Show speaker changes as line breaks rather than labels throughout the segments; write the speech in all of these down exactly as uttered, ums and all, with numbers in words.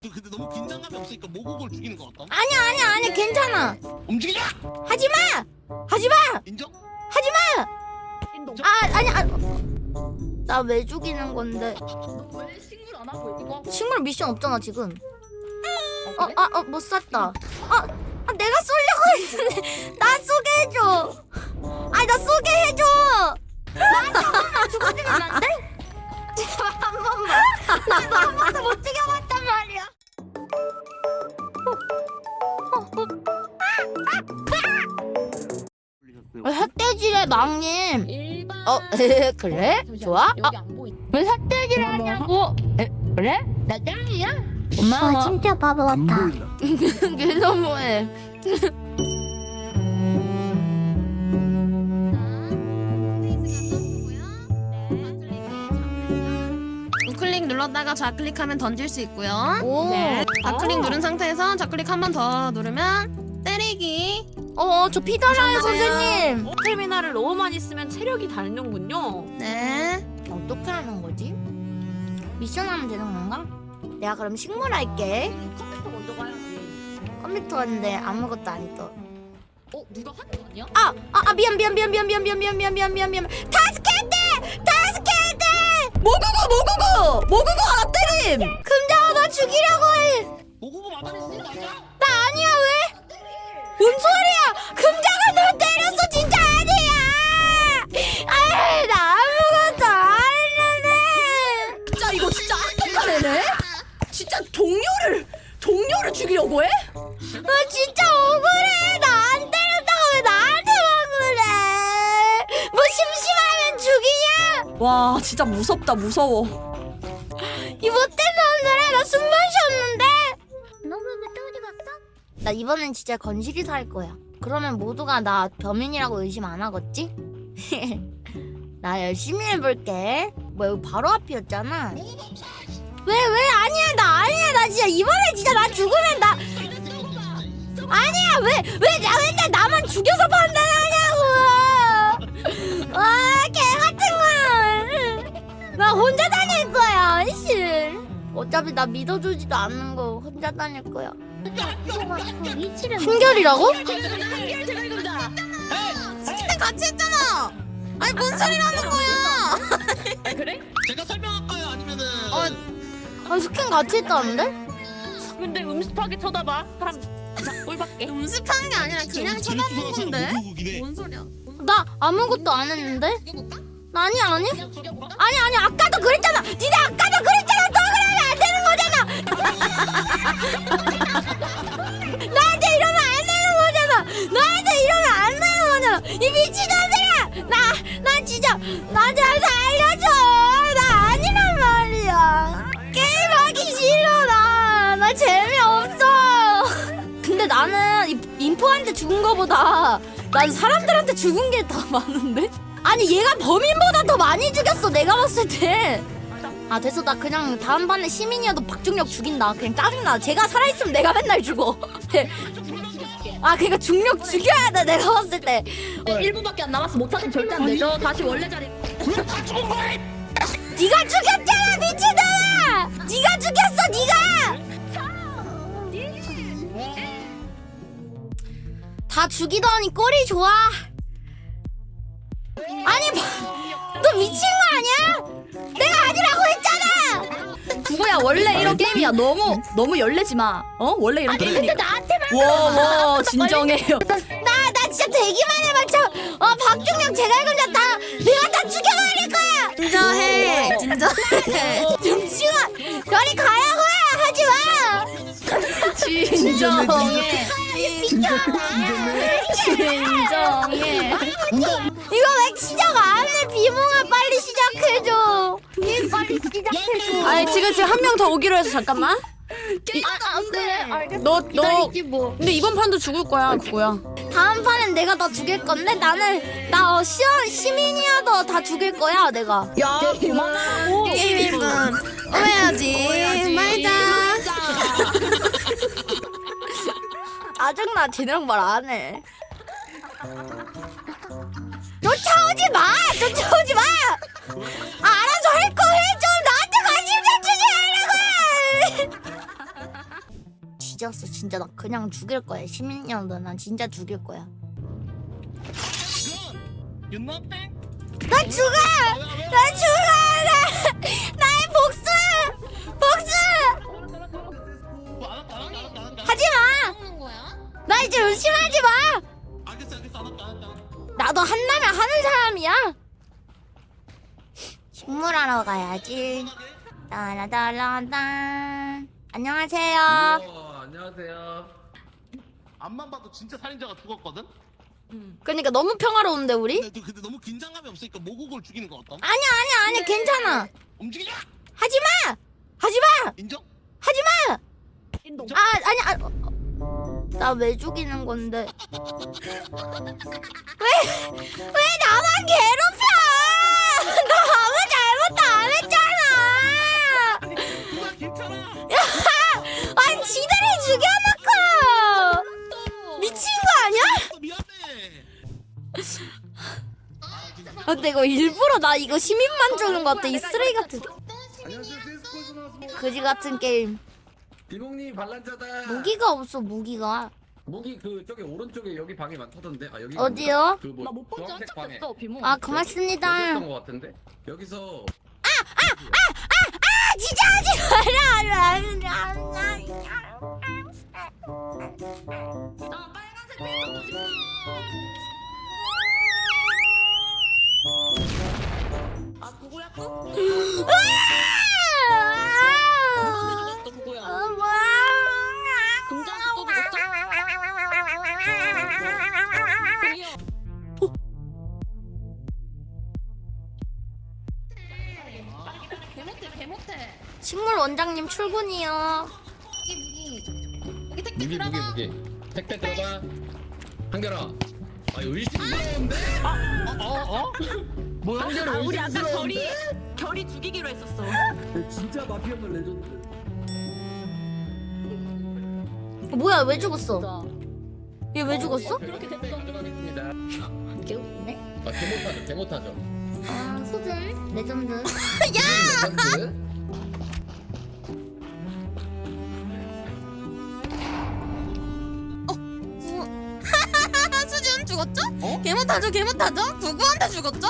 근데 너무 긴장감이 없으니까 모국을 죽이는 거 같다.
아니야 아니야 아니야 괜찮아.
움직이자.
하지마 하지마
인정?
하지마.
인동.
아 아니 아. 나 왜 죽이는 건데?
왜 식물 안 하고 이거?
식물 미션 없잖아 지금.
어,
어 아 어 못 쐈다. 아, 아 내가 쏘려고 했는데 나 쏘게 해줘. 아니 나 쏘게 해줘. 나 죽어주면 안 돼? 제발 한 번만. 나도 한 번도 못 죽여봤단 말이야. 흑돼지래 망님.
일반.
어 그래? 좋아?
여기 안 보이.
왜 흑돼지를 하냐고? 에, 그래? 나 짱이야? 고마워.
아 진짜 바보
안
같아.
보인다.
그게 너무해.
우클릭 눌렀다가 좌클릭하면 던질 수 있고요.
오.
네.
좌클릭 누른 상태에서 좌클릭 한 번 더 누르면 때리기.
어, 저 피달아요 선생님.
스태미나를 너무 많이 쓰면 체력이 닳는군요.
네.
어떻게 하는 거지? 미션 하면 되는 건가? 내가 그럼 식물 할게.
컴퓨터 먼저 가야지.
컴퓨터인데 아무것도 안 떠.
어 누가 하는 거 아니야?
아, 아, 아 미안 미안 미안 미안 미안 미안 미안 미안 미안 미안 미안. 타스케트! 타스케트! 모구구 모구구! 모구구 하나 때림! 금자가 나 죽이려고 해.
모국을 막아냈어. 맞아?
나 아니야 왜? 뭔 소리야? 금자가 널 때렸어 진짜 아니야! 아, 나 아무것도 안 했는데.
진짜 이거 진짜 악독한 애네? 진짜 동료를 동료를 죽이려고 해?
나 진짜 억울해. 나 안 때렸다고 왜 나한테만 그래? 뭐 심심하면 죽이냐?
와 진짜 무섭다 무서워.
이 못된 놈들아 나 숨만 쉬었는데.
너무 또 어디 갔어?
나 이번엔 진짜 건실이서 할 거야. 그러면 모두가 나 범인이라고 의심 안 하겠지? 나 열심히 해볼게. 뭐 여기 바로 앞이었잖아. 왜 왜 아니야 나 아니야 나 진짜 이번에 진짜 나 죽으면 나 아니야 왜 왜 나 맨날 나만 죽여서 판단하냐고. 와개 같은 거. 나 혼자 다닐 거야 씨. 어차피 나 믿어주지도 않는 거 혼자 다닐 거야.
이거 그 위치를
한결이라고?
스킨 같이 했잖아. 아니 뭔 소리라는 거야?
그래?
제가 설명할까요? 아니면은
어,
아 스킨 같이 했다는데?
근데 음습하게 쳐다봐. 사람 자, 꼴밖에.
음습하는 게 아니라 그냥 쳐다본 건데.
모국이네.
뭔 소리야?
나 아무것도 안 했는데? 나 아니 아니 아니 아니 아까도 그랬잖아. 니네 아까도 그랬잖아. 너 그러면 안 되는 거잖아. 나한테 이러면 안 되는 거잖아. 나한테 이러면 안 되는 거잖아. 이 미친놈들아. 나 나 진짜 나 잘 살려줘. 나 아니란 말이야. 게임하기 싫어 나. 나 재미없어. 근데 나는 이- 인포한테 죽은 거보다 난 사람들한테 죽은 게 더 많은데? 아니 얘가 범인보다 더 많이 죽였어 내가 봤을 때. 아 됐어 나 그냥 다음 판에 시민이어도 박중력 죽인다. 그냥 짜증나. 제가 살아있으면 내가 맨날 죽어. 아 그니까 중력 죽여야 돼 내가 봤을 때.
일 분밖에 안 남았어. 못하면 절대 안 되죠. 다시 원래 자리.
왜다 죽은 거야?
네가 죽였잖아 미친놈아. 네가 죽였어 네가. 다 죽이더니 꼴이 좋아. 아니 너 미친 거 아니야? 내가 아니라고 했잖아.
구구야 원래 이런 게임이야. 너무 너무 열내지 마. 어 원래 이런
근데
게임이니까.
나한테만
워워 진정해요.
나, 나 진짜 대기만 해봐. 저, 어, 박중령 제갈금자 다, 내가 다 죽여버릴 거야!
진정해. 진정해.
잠시만! 저리 가라고 해! 하지 마!
진정해. 진정해.
이거 왜 시작 안 해? 비몽아, 빨리 시작해줘.
빨리 시작해줘.
아니 지금 지금 한 명 더 오기로 해서 잠깐만.
아, 아 그래 알겠어.
너 너.
기다리지 뭐.
근데 이번 판도 죽을 거야 구구야.
다음 판엔 내가 다 죽일 건데, 나는, 나, 어, 시, 시민이어도 다 죽일 거야, 내가.
야 그만하라고.
게임 일 분. 오해하지 말자.
짜증나, 쟤네랑 말 안 해. 쫓아오지 마! 쫓아오지 마! 아, 알아서 할 거 해! 좀 나한테 관심 좀 주지 말라고! 뒤졌어. 진짜 나 그냥 죽일 거야. 시민년도 난 진짜 죽일 거야.
그건 윤나땡.
나 죽어! 나 죽어! 나, 나의 복수! 복수!
뭐, 안 할까, 안 할까, 안 할까, 안 할까?
하지 마!
하는 거야?
나 이제 의심하지 마!
알겠어, 알겠어, 안 할까, 안 할까.
나도 한다면 하는 사람이야. 식물하러 가야지. 따라따라따. 안녕하세요.
우와, 안녕하세요.
앞만 봐도 진짜 살인자가 죽었거든.
그러니까 너무 평화로운데 우리?
근데, 근데 너무 긴장감이 없으니까 모국을 죽이는 거 어떤?
아니야 아니야 아니야 괜찮아.
움직이자.
하지 마. 하지 마.
인정?
하지 마.
인동.
아 아니 아. 나 왜 죽이는 건데? 왜 왜 나만 괴롭혀? 나 아무 잘못도 안 했잖아.
누나 괜찮아.
아니 지들이 죽여놓고 미친 거 아니야?
또 미안해.
아, 근데 이거 일부러 나 이거 시민만 주는 것 같아. 이 쓰레기 같은
안녕하세요. 세스코에서 나왔습니다.
거지 같은 게임.
비몽님 반란자다.
무기가 없어 무기가.
무기 그 저기 오른쪽에 여기 방에 많다던데. 아 여기
어디요?
그뭐
나못 본지
주황색
한참
방에.
됐어 비모.
아 고맙습니다.
여기였던 것 같은데. 여기서
아 진짜 하지 마라.
나 빨간색 빌더 싶어. 아 누구야 또? 죽었어 누구야? 금장도 또 죽었어?
개못해 개못해.
식물 원장님 출근이요.
무기 무기.
무기 무기 무기. 택배 들어가. 한결아. 아 의심 무서운데?
어? 어? 뭐야?
아 우리 아까 결이 결이 죽이기로 했었어.
진짜 마피아물 레전드.
뭐야 왜 죽었어? 얘 왜 죽었어?
그렇게 됐어.
하겠습니다.
개웃네.
아 개못하죠 개못하죠.
아 소준 레전드.
레전드.
수준 죽었죠?
어?
개못하죠 개못하죠? 누구한테 죽었죠?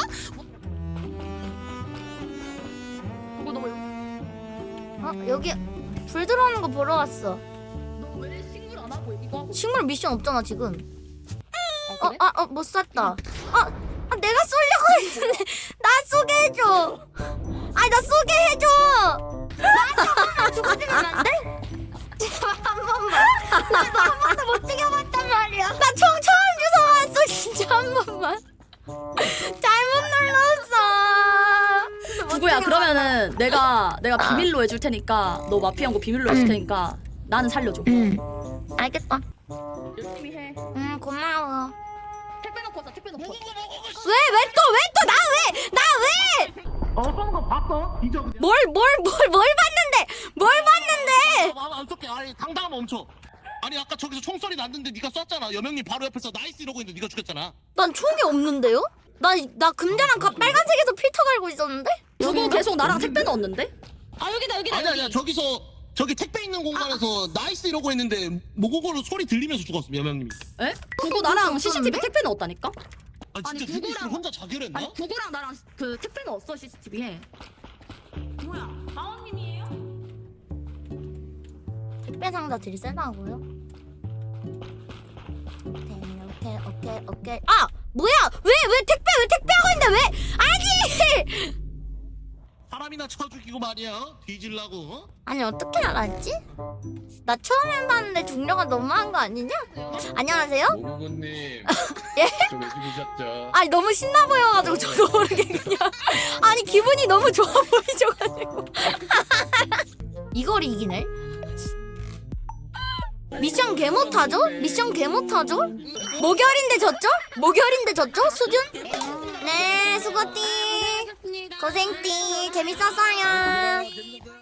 그거 너무
어 여기 불 들어오는 거 보러 왔어.
너왜 식물 안 하고 이거 하고?
식물 미션 없잖아 지금.
아,
어
그래?
아 어 못 쐈다. 아, 아 내가 쏘려고 했는데 나 쏘게 해줘. 아니 나 쏘게 해줘. 나 죽어주면 안 돼? 제발 한 번만. 나도 한 번도 못 죽여봤단 말이야. 나 총 처음 주워 왔어 진짜 한 번만. 잘못 눌렀어.
누구야? 그러면은 내가 내가 비밀로 해줄 테니까 너 마피아인 거 비밀로 해줄 테니까 나는 살려줘.
응. 알겠다.
열심히 해.
응 고마워.
택배 놓고 왔어. 택배 놓고 왔어.
왜 왜 또 왜 또 나 왜 나 왜?
어, 쏘는 거 봤어? 뒤져 그냥.
뭘 뭘 뭘 뭘 봤는데? 뭘 봤는데?
아, 안 쏠게. 아니, 당당하면 멈춰. 아니, 아까 저기서 총소리 났는데 네가 쐈잖아. 여명님 바로 옆에서 나이스 이러고 있는데 네가 죽였잖아.
난 총이 없는데요? 나 나 금자랑 가 빨간색에서 필터 갈고 있었는데?
그거 계속 나랑 택배 넣었는데?
아 여기다 여기다
아니,
여기.
아니야. 저기서 저기 택배 있는 공간에서 나이스 이러고 있는데 모고고로 소리 들리면서 죽었어. 여명님이.
에? 그거 나랑 씨씨티비 택배 넣었다니까?
아,
아니,
진짜 니네
누구랑-
혼자 자결했나?
아니 구구랑 나랑 그 택배 넣었어 씨씨티비에. 뭐야? 다원님이에요?
택배 상자 들이 세다고요? 오케이 오케이 오케이 오케이. 아 뭐야? 왜 왜 택배 왜 택배하고 있는데 왜? 아니
사람이나 쳐 죽이고 말이야. 뒤질라고. 어?
아니 어떻게 알았지? 나 처음 해봤는데 중력가 너무한 거 아니냐? 안녕하세요?
모구구님.
예?
저왜 죽으셨죠?
아니 너무 신나 보여가지고 저도 모르게 그냥 아니 기분이 너무 좋아 보이셔가지고 이걸 이기네? 미션 개 못하죠? 미션 개 못하죠? 목요일인데 졌죠? 목요일인데 졌죠? 수준? 네 수고띠 고생띠 재밌었어요.
재밌었어요.